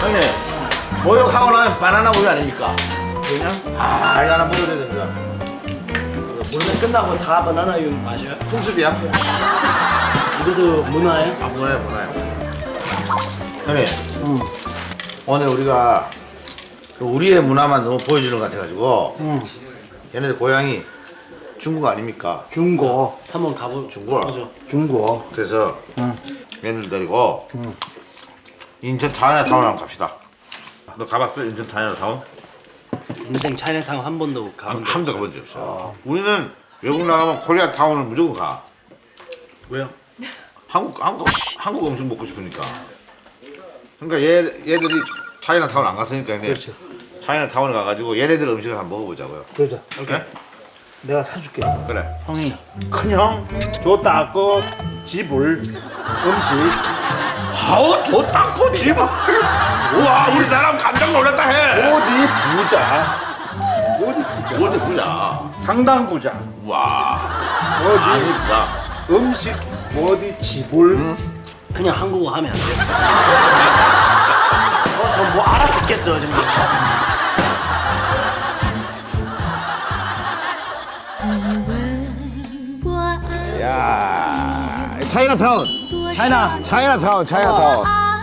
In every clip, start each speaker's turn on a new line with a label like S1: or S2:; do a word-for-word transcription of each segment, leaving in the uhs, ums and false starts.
S1: 형님, 모욕하고 나면 바나나 우유 아닙니까?
S2: 그냥?
S1: 아, 이거 하나 먹어야 됩니다.
S2: 오늘 끝나고 다 바나나유 마셔요?
S1: 풍습이야?
S2: 이것도 문화예요?
S1: 아, 문화야, 문화야. 형님, 음. 오늘 우리가 우리의 문화만 너무 보여주는 것 같아가지고 음. 얘네들 고향이 중국 아닙니까?
S3: 중국.
S2: 한번 가보.
S1: 중국.
S2: 가보죠.
S3: 중국.
S1: 그래서
S3: 응.
S1: 얘네들 데리고
S3: 응.
S1: 인천 차이나타운 한번 갑시다. 너 가봤어? 인천 차이나타운?
S2: 인생 차이나타운 한 번도 가본 적
S1: 한 번도 가본 적 없어. 우리는 외국 나가면 코리아타운을 무조건 가.
S2: 왜요?
S1: 한국 한국 한국 음식 먹고 싶으니까. 그러니까 얘 얘들이 차이나타운 안 갔으니까 얘네
S3: 그렇죠.
S1: 차이나타운 가가지고 얘네들 음식을 한번 먹어보자고요.
S3: 그러자.
S1: 오케이?
S3: 내가 사줄게.
S1: 그래.
S3: 형이 큰형 좋다고 집을 음식
S1: 아우 좋다고 집을. 우와 우리 사람 깜짝 놀랐다 해.
S3: 어디 부자. 어디 부자.
S1: 어디 부자.
S3: 상당 부자.
S1: 와.
S3: 어디
S1: 아니다.
S3: 음식 어디 집을 응?
S2: 그냥 한국어 하면 안 돼요? 어, 저 뭐 알아듣겠어요 정말.
S1: 야 차이나타운.
S2: 차이나.
S1: 차이나타운 차이나타운.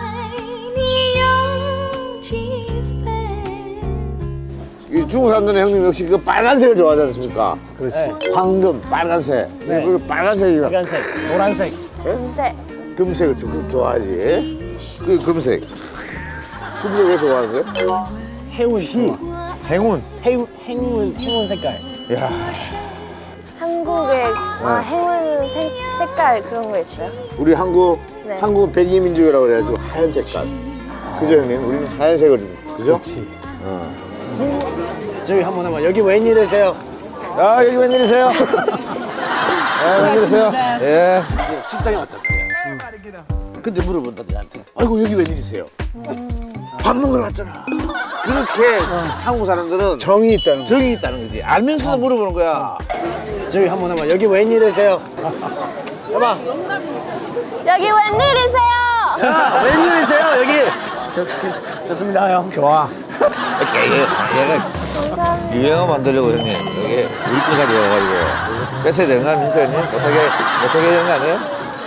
S1: 이 중국 사람들은 형님 역시 그 빨간색을 좋아하지 않습니까?
S3: 그렇지.
S2: 네.
S1: 황금 빨간색.
S2: 네.
S1: 그 빨간색이랑
S2: 빨간색, 노란색.
S4: 금색.
S1: 금색을 좀 좋아하지. 그 금색. 금색 왜 좋아하는 거야?
S2: 해운 좋아.
S1: 행운.
S2: 해운 행운 행운 색깔.
S1: 야.
S4: 한국의 아, 행운 색, 색깔 그런 거 있어요?
S1: 우리 한국
S4: 네.
S1: 한국은 백이민족이라고 그래가지고 하얀 색깔. 그죠 형님? 우리는 하얀색을 입- 그죠?
S3: 그렇지.
S1: 어.
S2: 저기 한번 해봐. 여기 웬일이세요?
S1: 야 여기 웬일이세요? 예, 웬일이세요? 예. 이제 식당에 왔다. 응. 근데 물어본다 내한테. 아이고 여기 웬일이세요? 밥 먹으러 왔잖아. 그렇게 한국 사람들은
S3: 정이 있다는 거.
S1: 정이 있다는 거지. 알면서도 물어보는 거야.
S2: 저기 한번 해봐. 여기 웬일이세요? 해봐.
S4: 여기 웬일이세요?
S2: 야, 웬일이세요? 여기. 저, 좋습니다 형.
S3: 좋아.
S1: 얘가, 얘가 유행어 만들려고 형님. 여기 우리 거까지 와가지고 뺏어야 되는 거 아닙니까 형님? 어떻게 어떻게 되는 거 아니에요?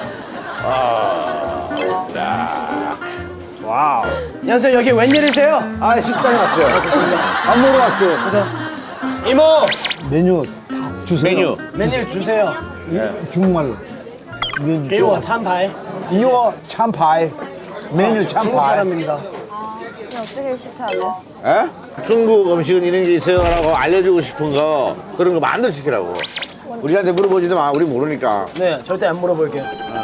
S3: 와우.
S2: 안녕하세요. 여기 웬일이세요?
S1: 아 식당에 왔어요.
S3: 밥 먹으러 왔어요.
S2: 그래서 이모
S3: 메뉴 주세요.
S1: 메뉴.
S2: 메뉴 주세요.
S3: 중국말로. 메뉴.
S2: 이거 참파이.
S3: 이거 참파이. 메뉴
S2: 중국
S3: 참파이.
S2: 사람입니다.
S4: 이거 어떻게 시켜야 돼요?
S1: 에? 중국 음식은 이런 게 있어요라고 알려주고 싶은 거 그런 거 마음대로 시키라고. 우리한테 물어보지도 마. 우리 모르니까.
S2: 네, 절대 안 물어볼게요.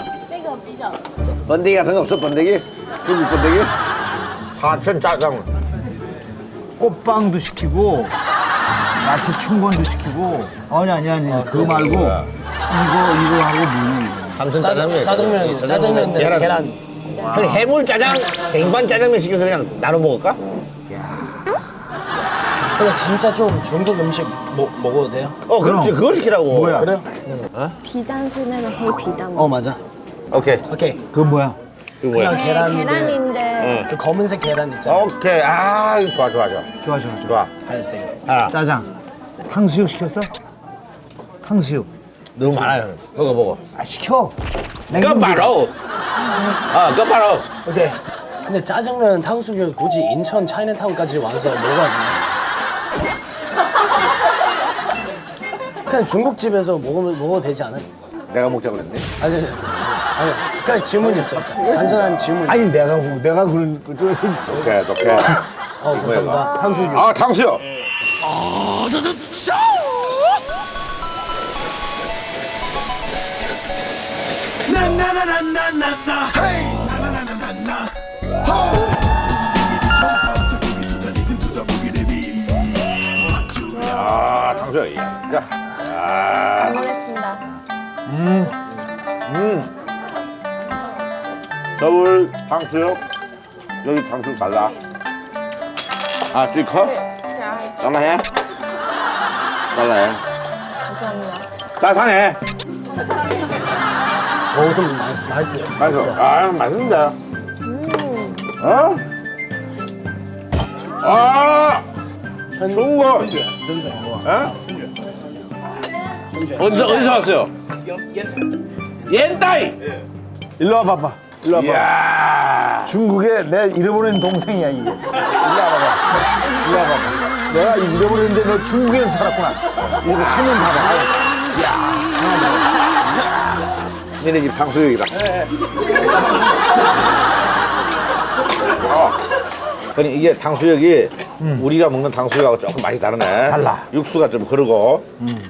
S1: 번데기 같은 거 없어? 번데기? 중국 번데기? 사천 짜장.
S3: 꽃빵도 시키고 야채 춘권도 시키고 아니 아니 아니 그거 말고 이거 이거 하고 뭐
S1: 삼천
S2: 짜장, 짜장면, 짜장면인데
S1: 계란.
S2: 계란.
S1: 형님 해물 짜장, 쟁반 짜장면 시켜서 그냥 나눠 먹을까?
S2: 근데 진짜 좀 중국 음식 먹, 먹어도 돼요?
S1: 어 그렇지 그거 시키라고.
S3: 뭐야?
S2: 그래요?
S4: 비단순에는 해 비단.
S2: 어, 맞아.
S1: 오케이.
S2: 오케이.
S3: 그거 뭐야?
S1: 이거 뭐야?
S2: 그냥 계란인데.
S4: 계란인데
S2: 그 검은색 계란 있잖아.
S1: 오케이. 아 이거 좋아 좋아 좋아.
S3: 좋아 좋아 좋아.
S1: 좋아.
S2: 하얀색.
S1: 아
S3: 짜장. 탕수육 시켰어? 탕수육.
S1: 너무 많아요. 먹어 먹어.
S3: 아 시켜.
S1: 끝바로. 아 끝바로.
S2: 오케이. 근데 짜장면 탕수육 굳이 인천 차이나타운까지 와서 먹어야 되나? 그냥 중국집에서 먹으면 먹어도 되지 않아요?
S1: 내가 먹자고 그랬네.
S2: 아니, 아니, 아니, 그냥 질문이었어요. 단순한 질문.
S3: 아니 내가 내가 그런 그 저-
S1: 오케이 오케이.
S2: 어, 감사합니다. 탕수육.
S1: 아 탕수육. 아 탕수육. 자. 아.
S4: 잘 먹겠습니다.
S1: 음. 서울 탕수육. 여기 탕수육 달라. 아, 두 컵?
S4: 자,
S1: 달라해? 달라해.
S4: 감사합니다.
S1: 짜상해.
S2: 어, 좀 맛있, 맛있어요.
S1: 맛있어. 아, 맛있는데.
S4: 음,
S1: 어? 아,
S2: 春
S1: 중국.
S2: 春卷，春卷，
S1: 에?
S2: 春卷。
S1: 어디서 어디서 왔어요? 옌따이.
S3: 일로 와봐봐. 일로 와봐.
S1: 이야.
S3: 중국에 내 잃어버린 동생이야 이게. 일로 와봐봐. 일로 와봐봐. 내가 잃어버렸는데 너 중국에서 살았구나. 이거 화면 봐봐.
S1: 니네 집 탕수육이다. 어. 아니 이게 탕수육이 우리가 먹는 탕수육하고 조금 맛이 다르네.
S3: 달라.
S1: 육수가 좀 흐르고.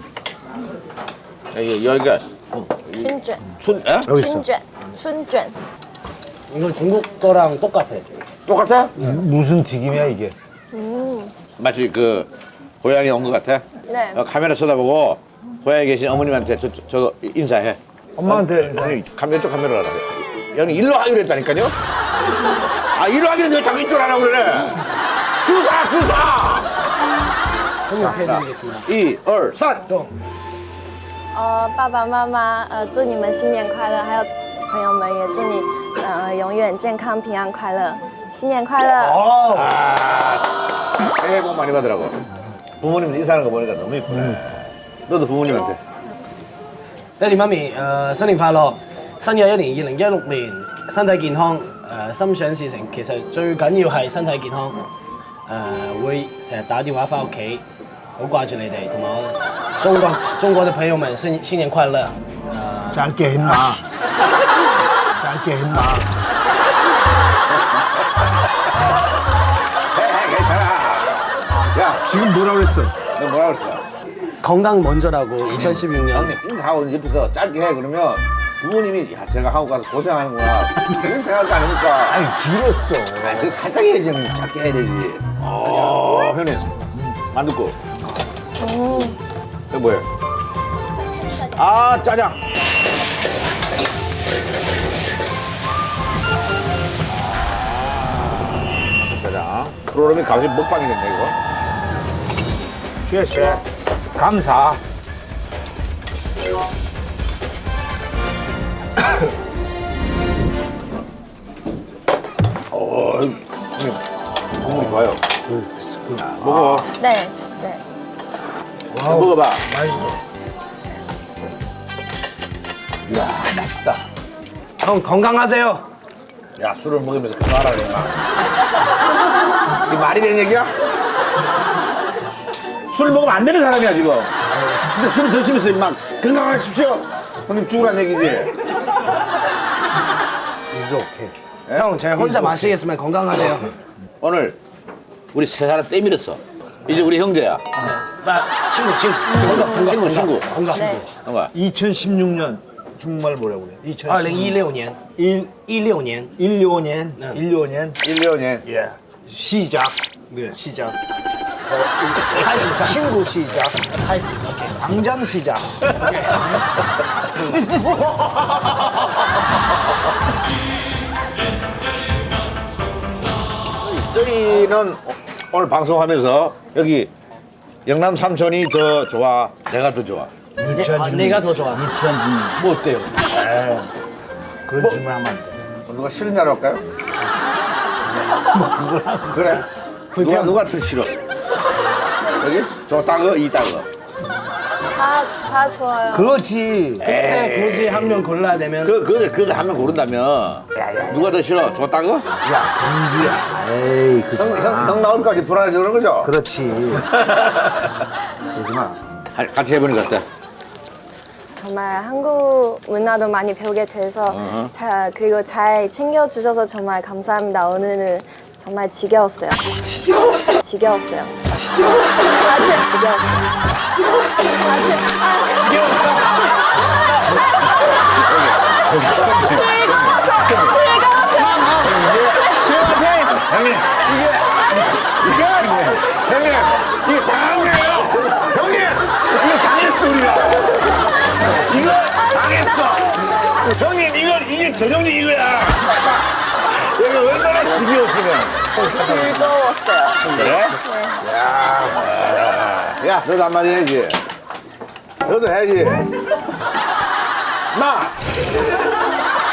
S1: 여기 여기가
S4: 春卷
S1: 춘, 에?
S3: 여기 있어.
S4: 春卷春卷
S2: 이건 중국 거랑 똑같아.
S1: 똑같아?
S3: 무슨 튀김이야 이게?
S1: 마치 그 고향에 온 것 같아.
S4: 네.
S1: 어, 카메라 쳐다보고 고향에 계신 어머님한테 저, 저, 저 인사해.
S3: 엄마한테 인사.
S1: 아니, 카메라 쪽 카메라 하라. 여기 일로 하기로 했다니까요? 아, 일로 하기로 했는데 자꾸 이쪽으로 하라고 그러네. 주사, 주사!
S2: 통역해드리겠습니다.
S1: 이, 얼, 산!
S4: 呃，爸爸妈妈，呃，祝你们新年快乐，还有朋友们也祝你呃永远健康平安快乐，新年快乐！
S1: 아, 새해 복 많이 받으라고. 부모님 인사하는 거 보니까 너무 이쁘네. 너도 부모님한테.
S2: 爹哋媽咪，誒、新年快樂！新嘅一年二零一六年，身體健康，誒、心想事成。其實最緊要係身體健康。誒、會成日打電話翻屋企，好掛住你哋，同埋我中國中國嘅朋友們新新年快樂！誒、
S3: 짧게 했나? 짧게 했나?
S1: 해, 해, 괜찮아. 야,
S3: 지금 뭐라 그랬어?
S1: 너 뭐라 그랬어?
S2: 건강 먼저라고 이천십육 년.
S1: 형님, 인사하고 옆에서 짧게 해. 그러면 부모님이, 야, 제가 한국 가서 고생하는구나. 그런 생각 아닙니까?
S3: 아니 길었어.
S1: 아니, 그 살짝 해야지, 형님. 짧게 해야 되지. 어, 형님. 만둣국. 이거 뭐예요? 아, 짜장. 아, 짜장. 프로그램이 갑자기 먹방이 됐네, 이거.
S3: 쉐쉐. 감사.
S1: 어, 형님. 국물이 좋아요. 먹어.
S4: 네, 네.
S1: 먹어봐.
S3: 맛있어.
S1: 이야, 맛있다.
S2: 형 건강하세요.
S1: 야, 술을 먹으면서 그거 하라, 임마. 이게 말이 되는 얘기야? 술을 먹으면 안 되는 사람이야, 지금. 근데 술을 드시면서 임마 건강하십시오. 형님 죽으란 얘기지.
S3: It's okay.
S2: 형 제가 혼자 마시겠으면 건강하세요.
S1: 오늘 우리 세 사람 떼밀었어. 이제 우리 형제야.
S2: 나 친구 친구 친구
S1: 친구, 친구.
S2: 건강.
S4: 네.
S1: 형아.
S3: 이천십육 년 중국말 뭐라고 그래?
S2: 二零一六年
S3: 일,
S2: 一六年
S3: 일오 년,
S2: 네.
S3: 일오 년.
S1: 일 년에.
S3: 예. 시작. 네, 시작.
S2: 开始
S3: 친구 시작.
S2: 开始 OK
S3: 당장 시작.
S1: 저희는 오늘 방송하면서 여기 영남 삼촌이 더 좋아, 내가 더 좋아.
S2: 아, 내가 더 좋아.
S1: 뭐 어때요?
S3: 그런 질문 하면 안 돼.
S1: 누가 싫은 나로 할까요? 뭐 그거 그래. 누가 누가 더 싫어? 여기 저 따거 이 따거.
S4: 다, 다 좋아요.
S3: 그렇지.
S2: 그때 굳이 한 명 골라야 되면
S1: 그 그 그래서 한 명 고른다면 누가 더 싫어? 저 따거?
S3: 야, 경주야. 에이, 그러지
S1: 형, 형,
S3: 마.
S1: 형 나올까지 불안해서 그런 거죠?
S3: 그렇지. 그러지 마.
S1: 하- 같이 해보는 거 어때?
S4: 정말 한국 문화도 많이 배우게 돼서
S1: 어허.
S4: 자, 그리고 잘 챙겨주셔서 정말 감사합니다. 오늘은 정말 지겨웠어요. 지겨웠어요. 아주 지겨웠어요. 아주 아,
S2: 지겨웠어.
S4: 즐거워서 즐거워서
S1: 형님 이게 이게 형님 이게 당한 거예요. 형님 이거 당했어 우리가. 이거 당했어. 형님 이거 이게 전형이 이거야. 여기 얼마나 지겨웠으면.
S4: 즐거웠어요.
S1: 그래?
S4: 네.
S1: 야, 야, 너도 한마디 해야지. 너도 해야지. 마!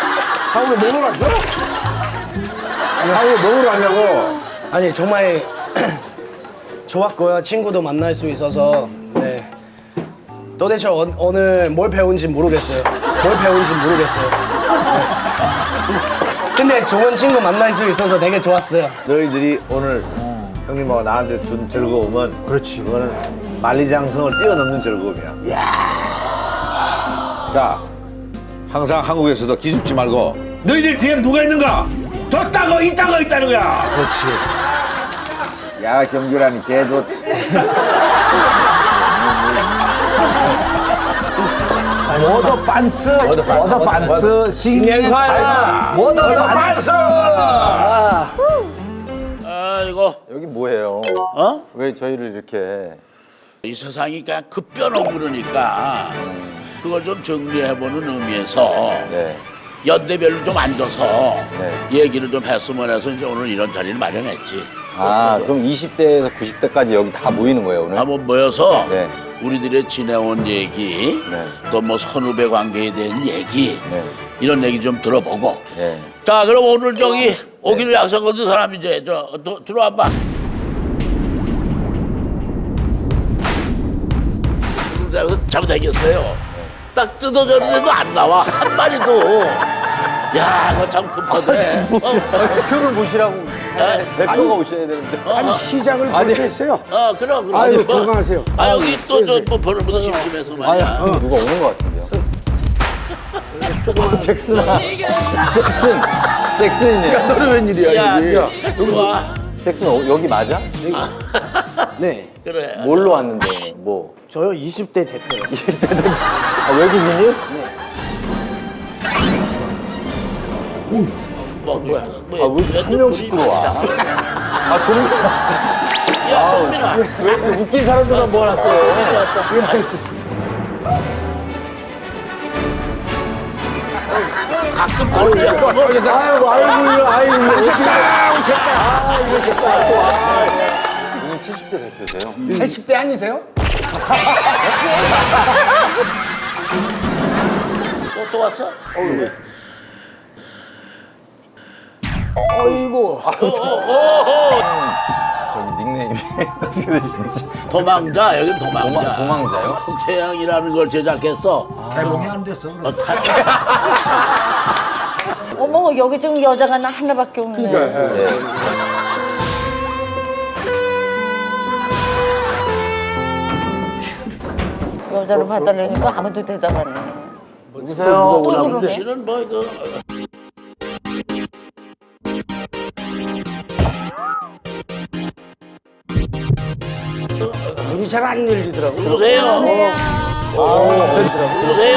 S1: 한국에 뭐 놀러 왔어? 아니, 한국에 뭐 놀러 왔냐고.
S2: 아니 정말 좋았고요. 친구도 만날 수 있어서 네. 도대체 오, 오늘 뭘 배운지 모르겠어요. 뭘 배운지 모르겠어요. 네. 근데 좋은 친구 만날 수 있어서 되게 좋았어요.
S1: 너희들이 오늘 형님하고 나한테 준 즐거움은 그렇지. 그거는 만리장성을 뛰어넘는 즐거움이야. 자, 항상 한국에서도 기죽지 말고 너희들 뒤엔 누가 있는가? 졌다고 있다고 있다는 거야.
S3: 그렇지.
S1: 야, 경규라니 쟤도
S3: 워더 판스, 워더 판스, 신년 워더 판스.
S5: 아이고
S6: 여기 뭐예요?
S5: 어?
S6: 왜 저희를 이렇게
S5: 이 세상이 그냥 급변하고 그러니까 그걸 좀 정리해보는 의미에서
S6: 네.
S5: 연대별로 좀 앉아서
S6: 네.
S5: 얘기를 좀 했으면 해서 이제 오늘 이런 자리를 마련했지.
S6: 아 그럼 이십 대에서 구십 대까지 여기 다 모이는 거예요 오늘?
S5: 한번 모여서
S6: 네.
S5: 우리들의 지내온 얘기,
S6: 네.
S5: 또 뭐 선후배 관계에 대한 얘기
S6: 네.
S5: 이런 얘기 좀 들어보고.
S6: 네.
S5: 자 그럼 오늘 저기 오기로 약속 거둔 사람 이제 저 도, 들어와봐. 잡아당겼어요. 딱 뜯어졌는데도 안 나와 한 마리도. 야, 그거 참 급하네.
S6: 표를 보시라고 대표가 오셔야 되는데.
S5: 아니
S3: 시장을
S6: 아니.
S3: 했어요.
S5: 어, 그럼 그럼.
S3: 아유,
S5: 뭐,
S3: 건강하세요.
S5: 아 여기 또저뭐 보는 분도 심심해서 말이야.
S6: 어, 누가 오는 것 같은데요? 어, 잭슨아. 잭슨. 잭슨이네요.
S3: 너는 웬일이야
S5: 야,
S3: 여기?
S5: 여기 와.
S6: 잭슨 어, 여기 맞아?
S2: 네.
S5: 그래.
S6: 뭘로 왔는데 뭐?
S2: 저요 이십 대 대표요.
S6: 이십 대 된 아, 외국인이?
S5: 뭐 뭐야?
S6: 아, 왜 한 명씩 들어와? 아, 저는
S5: 야, 동민아.
S6: 왜 이렇게 웃긴 사람들만 모아놨어요?
S5: 가끔 들어오지.
S6: 아이고, 아이고, 아이고, 오늘 칠십 대 대표세요?
S3: 팔십 대 아니세요?
S5: 또, 또 왔어?
S3: 어이구.
S6: 저기 닉네임이 어떻게 되시는지.
S5: 도망자, 여긴 도망자.
S6: 도망- 도망자요?
S5: 국채양이라는 걸 제작했어.
S3: 개봉이 안 됐어.
S5: 어, 다-
S7: 어머 여기 지금 여자가 나 하나밖에 없네.
S6: 네.
S7: 여자를 봐달라니까 아무도 대답 안 해.
S6: 누구세요?
S7: 또
S5: 남자
S7: 그러네.
S5: 씨는 뭐 이거
S2: 문이 잘 안 열리더라고요.
S5: 누구세요? 누구세요?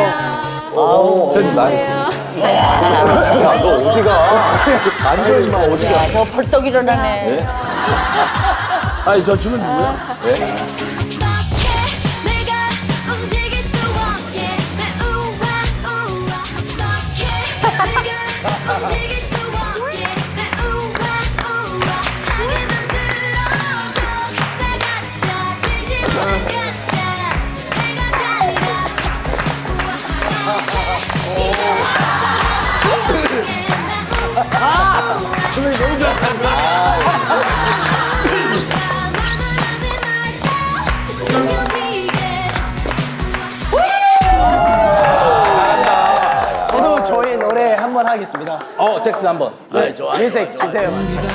S6: 저기 나. 야, 너 어디가? 앉아, 임마, 어디가?
S7: 야, 저 벌떡 일어나네.
S6: 네?
S3: 아니 저 친구 누구야?
S6: 네?
S8: 내가 움직일 수 없게 내 우와 우와 어떻게 내가 움직일 수 없게 내 우와 우와 하게 만들어줘 사가짜 진심만 가짜 제가 잘가 우와하게 이게 나
S2: 저도 저희 노래 한 번 하겠습니다.
S6: 어, 잭슨 한 번.
S5: 네, 좋아.
S2: 뮤직 주세요.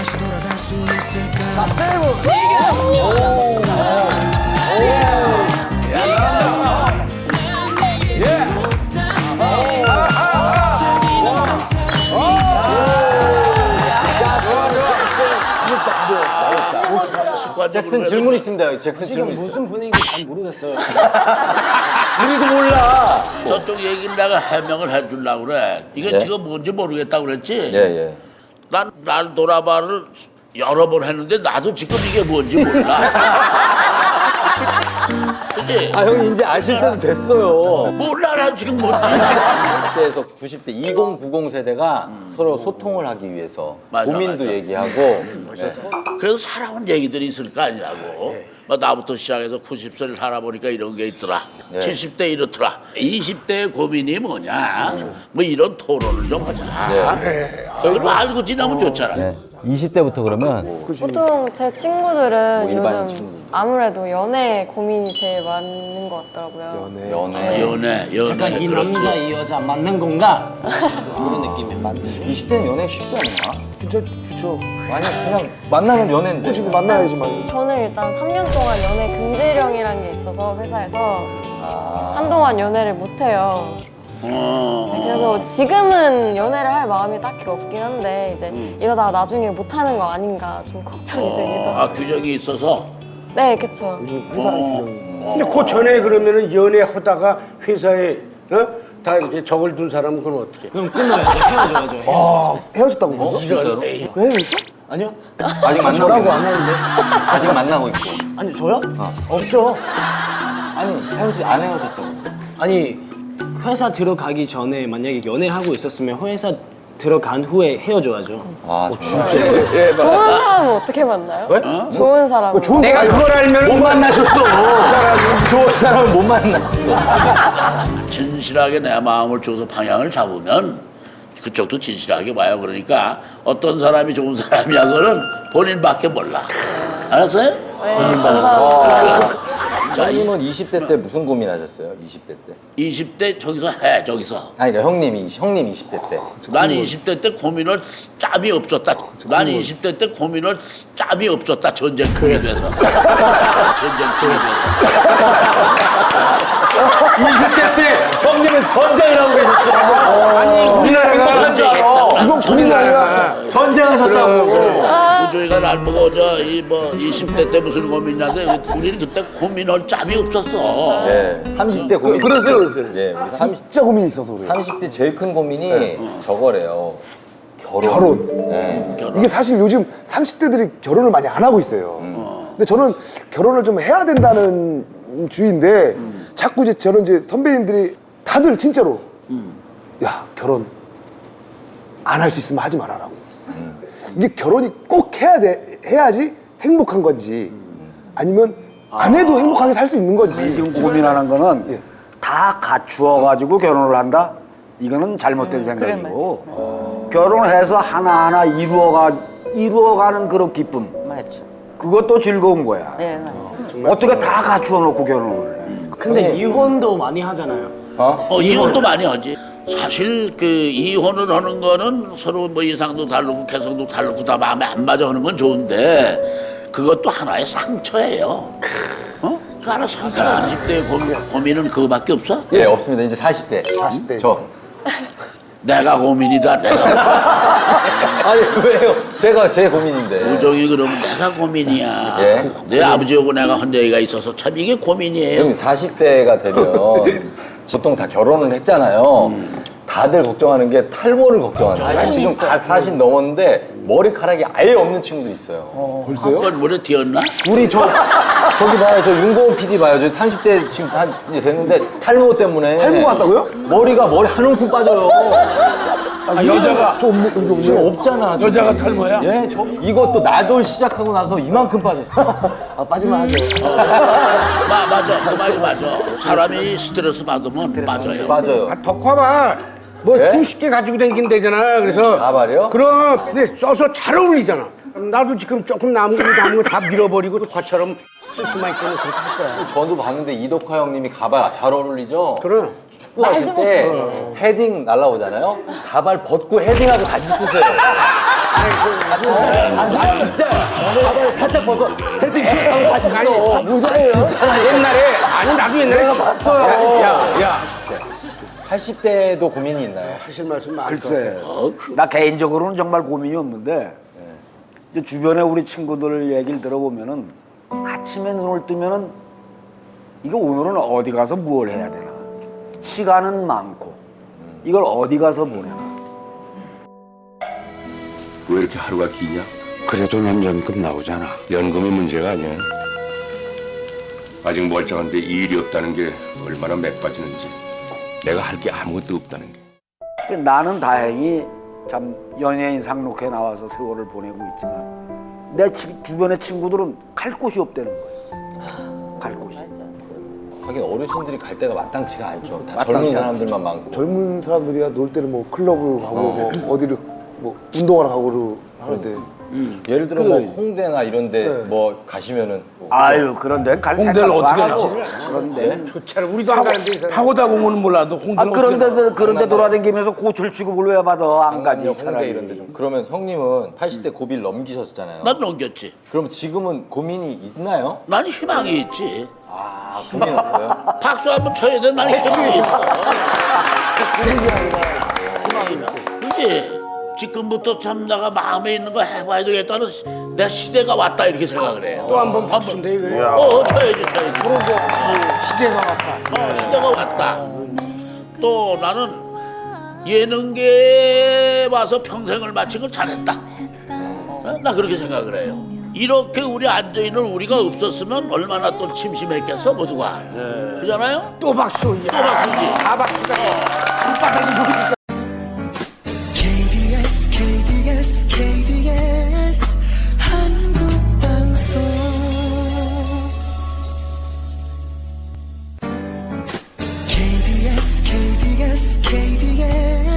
S6: 잭슨 질문 있습니다. 잭슨
S2: 지금
S6: 질문 있어요.
S2: 무슨 분위기인지 잘 모르겠어요.
S6: 우리도 몰라.
S5: 저쪽 얘기를 내가 해명을 해주려고 그래. 이게
S6: 네?
S5: 지금 뭔지 모르겠다고 그랬지?
S6: 예, 예.
S5: 난, 날 돌아봐를 여러 번 했는데 나도 지금 이게 뭔지 몰라. 그치?
S6: 아, 형이 이제 아실 때도 됐어요.
S5: 몰라, 난 지금 뭔지.
S6: 구십 대에서 구십 대 이십, 구십 세대가 서로 소통을 하기 위해서
S5: 맞아,
S6: 고민도
S5: 맞아.
S6: 얘기하고 네.
S5: 그래서 살아온 얘기들이 있을 거 아니냐고. 뭐 나부터 시작해서 구십 세를 살아보니까 이런 게 있더라.
S6: 네.
S5: 칠십 대 이렇더라. 이십 대의 고민이 뭐냐. 뭐 이런 토론을 좀 하자.
S6: 네.
S5: 저희를 알고 지나면 좋잖아.
S6: 네. 이십 대부터 그러면
S4: 보통 제 친구들은
S6: 뭐 일반
S4: 요즘
S6: 친구들.
S4: 아무래도 연애 고민이 제일 많은 것 같더라고요.
S6: 연애.
S5: 연애, 연애.
S2: 약간 이 남자 이 여자 맞는 건가? 이런 느낌이야.
S6: 이십 대는 연애 쉽지 않나?
S3: 그쵸, 그쵸.
S6: 아니 그냥 만나면 연애인데.
S3: 지금 만나야지만.
S4: 저는 일단 삼 년 동안 연애 금지령이라는 게 있어서 회사에서
S6: 아.
S4: 한동안 연애를 못 해요.
S5: 어.
S4: 그래서 지금은 연애를 할 마음이 딱히 없긴 한데 이제 이러다가 나중에 못 하는 거 아닌가 좀 걱정이 되기도 하고.
S5: 아, 규정이 있어서?
S4: 네, 그쵸.
S3: 회사 규정이.
S9: 근데 그 전에 그러면은 연애하다가 회사에 어? 다 이렇게 적을 둔 사람은 그럼 어떻게?
S2: 그럼 끊어야죠. 헤어져야죠. 헤어져.
S3: 아, 헤어졌다고 그러죠?
S6: 진짜로?
S3: 왜 헤어졌어?
S2: 아니요?
S6: 아직 만나고
S3: 저라고
S6: 있고.
S3: 안 하는데.
S6: 아직 만나고 있고.
S2: 아니 저요?
S3: 없죠.
S6: 아니 헤어지 안 헤어졌다고.
S2: 아니 회사 들어가기 전에 만약에 연애하고 있었으면 회사 들어간 후에 헤어져야죠.
S6: 아 정말.
S4: 좋은 사람은 어떻게 만나요? 좋은 사람은.
S3: 좋은
S9: 내가 그걸 알면
S6: 못 만나셨어. 좋은 사람은 못 만났어.
S5: 진실하게 내 마음을 줘서 방향을 잡으면 그쪽도 진실하게 봐요. 그러니까 어떤 사람이 좋은 사람이야 그거는 본인밖에 몰라. 알았어요?
S4: 네, 감사합니다.
S5: 자, 이-
S6: 형님은 이십 대 때 무슨 고민하셨어요? 이십 대 때?
S5: 이십 대 저기서 해 저기서.
S6: 아니 그러니까 형님이 형님 이십 대 때.
S5: 난 이십 대 때 고민할 짬이 없었다. 난 이십 대 때 고민할 짬이 없었다. 전쟁통이 돼서. 전쟁통이 돼서.
S6: 이십 대 때 형님은 전쟁을 하고 계셨어.
S9: 아니 우리나라가
S5: 전쟁했다.
S3: 이건 본인이 아니라
S6: 전쟁하셨다고.
S5: 우주이가 날 보고 저이뭐 이십 대 때 무슨 고민이냐는데 우리는 그때 고민할 짬이 없었어.
S6: 예, 삼십 대 고민.
S9: 그러세요, 그러세요.
S6: 예, 우리 삼십,
S3: 진짜 고민이 있어서 그래요.
S6: 삼십 대 제일 큰 고민이 저거래요. 결혼.
S3: 결혼.
S6: 예.
S3: 이게 사실 요즘 삼십 대들이 결혼을 많이 안 하고 있어요. 근데 저는 결혼을 좀 해야 된다는 주의인데 자꾸 이제 저는 이제 선배님들이 다들 진짜로 야 결혼 안 할 수 있으면 하지 말아라고. 이게 결혼이 꼭 해야 돼 해야지 행복한 건지 아니면 안 해도 행복하게 살 수 있는 건지.
S10: 지금 고민하는 거는
S3: 예.
S10: 다 갖추어가지고 결혼을 한다? 이거는 잘못된 생각이고 결혼해서 하나하나 이루어가, 이루어가는 그런 기쁨
S7: 맞죠.
S10: 그것도 즐거운 거야.
S7: 네, 맞죠.
S10: 어떻게 다 갖추어 놓고 결혼을 해.
S2: 근데 이혼도 많이 하잖아요.
S5: 어, 이혼도 많이 하지. 사실 그 이혼을 하는 거는 서로 뭐 이상도 다르고 개성도 다르고 다 마음에 안 맞아 하는 건 좋은데 그것도 하나의 상처예요. 어? 그 하나 상처. 삼십 대의 고민, 고민은 그거밖에 없어?
S6: 예, 없습니다. 이제 사십 대.
S3: 사십 대.
S6: 저.
S5: 내가 고민이다. 내가.
S6: 아니 왜요? 제가 제 고민인데.
S5: 우정이 그러면 내가 고민이야.
S6: 예?
S5: 내 아버지하고 내가 한 얘기가 있어서 참 이게 고민이에요.
S6: 형님 사십 대가 되면 보통 다 결혼을 했잖아요. 다들 걱정하는 게 탈모를 걱정하는 지금 다 사십 넘었는데 머리카락이 아예 없는 친구도 있어요.
S5: 그건 물에 튀었나?
S6: 우리 저 저기 봐요. 저 윤고은 피디 봐요. 저 삼십 대 지금 한 이제 됐는데 탈모 때문에
S3: 탈모가 왔다고요?
S6: 머리가 머리 한 움큼 빠져요.
S3: 아, 여자가 저 없네 여기 없네.
S6: 지금 없잖아. 지금.
S5: 여자가 탈모야?
S6: 예, 저 이것도 나돌 시작하고 나서 이만큼 빠졌어.
S3: 아 빠지면 하죠.
S5: 마, 맞아. 그 말이 맞아. 사람이 스트레스 받으면 맞아요.
S6: 맞아요.
S9: 아, 덕화봐. 뭐
S6: 예?
S9: 수십 개 가지고 다닌대잖아. 그래서
S6: 가발이요?
S9: 그럼 근데 써서 잘 어울리잖아. 나도 지금 조금 남은 거 남은 거 다 밀어버리고 덕화처럼 쓸 수만 있으면 그렇게 할 거야.
S6: 저도 봤는데 이덕화 형님이 가발 잘 어울리죠?
S9: 그럼.
S6: 축구하실 때 헤딩 날라오잖아요? 가발 벗고 헤딩하고 다시 쓰세요. 아, 진짜. 아, 진짜. 가발 살짝 벗어. 헤딩 시작하고 다시 써.
S3: 모자예요.
S9: 옛날에 아니 나도 옛날에
S6: 내가 봤어요.
S9: 야, 야.
S6: 팔십 대도 고민이 있나요?
S9: 하실 말씀 많을 것
S10: 글쎄,
S9: 같아.
S5: 어, 그,
S10: 나 개인적으로는 정말 고민이 없는데 이제 주변에 우리 친구들 얘기를 들어보면은 아침에 눈을 뜨면은 이거 오늘은 어디 가서 뭘 해야 되나 시간은 많고 이걸 어디 가서 보내나
S11: 왜 이렇게 하루가 기냐?
S9: 그래도 넌 연금 나오잖아.
S11: 연금이 문제가 아니야. 아직 멀쩡한데 일이 없다는 게 얼마나 맥빠지는지. 내가 할 게 아무것도 없다는 게.
S10: 나는 다행히 참 연예인 상록회 나와서 세월을 보내고 있지만 내 치, 주변의 친구들은 갈 곳이 없다는 거예요. 갈 곳이.
S6: 하긴 어르신들이 갈 데가 마땅치가 않죠. 다
S3: 마땅치
S6: 젊은
S3: 않지.
S6: 사람들만 많고.
S3: 젊은 사람들이야 놀 때는 뭐 클럽을 가고 뭐 어디를 뭐 운동하러 가고 그럴 때.
S6: 예를 들어 뭐 홍대나 이런데 뭐 가시면은
S10: 아유 그런 데는 갈
S9: 홍대를
S10: 생각도
S9: 어떻게
S10: 안 하고.
S9: 알지?
S10: 그런 데.
S9: 좋잖아. 우리도 안 가는데 이 사람. 파고다 공원은 몰라도
S10: 아
S9: 홍대는
S10: 그런
S9: 어떻게
S10: 데 그런 데 돌아다니면서 고철 취급을 왜 받아? 안 가지
S6: 강남역, 홍대
S10: 차라리.
S6: 이런 데 좀. 그러면 형님은 팔십 대 고비를 넘기셨잖아요.
S5: 난 넘겼지.
S6: 그럼 지금은 고민이 있나요?
S5: 난 희망이 있지.
S6: 아, 고민 없어요?
S5: 박수 한번 쳐야 돼. 난 희망이 있어. 그지? 지금부터 참 내가 마음에 있는 거 해봐야 되겠다는 시- 내 시대가 왔다 이렇게 생각을 해요.
S9: 또 한 번 박수인데 이거.
S5: 어, 쳐야지, 쳐야지.
S9: 시대가 왔다.
S5: 어, 시대가 왔다. 또 나는 예능계에 와서 평생을 마친 걸 잘했다. 어? 나 그렇게 생각을 해요. 이렇게 우리 앉아있는 우리가 없었으면 얼마나 또 침심했겠어 모두가. 그잖아요?
S9: 또 박수.
S5: 또 박수지.
S9: 다 박수다. 손바닥이 저기 있어.
S8: 케이비에스 케이비에스 케이비에스 한국방송 케이비에스 케이비에스 케이비에스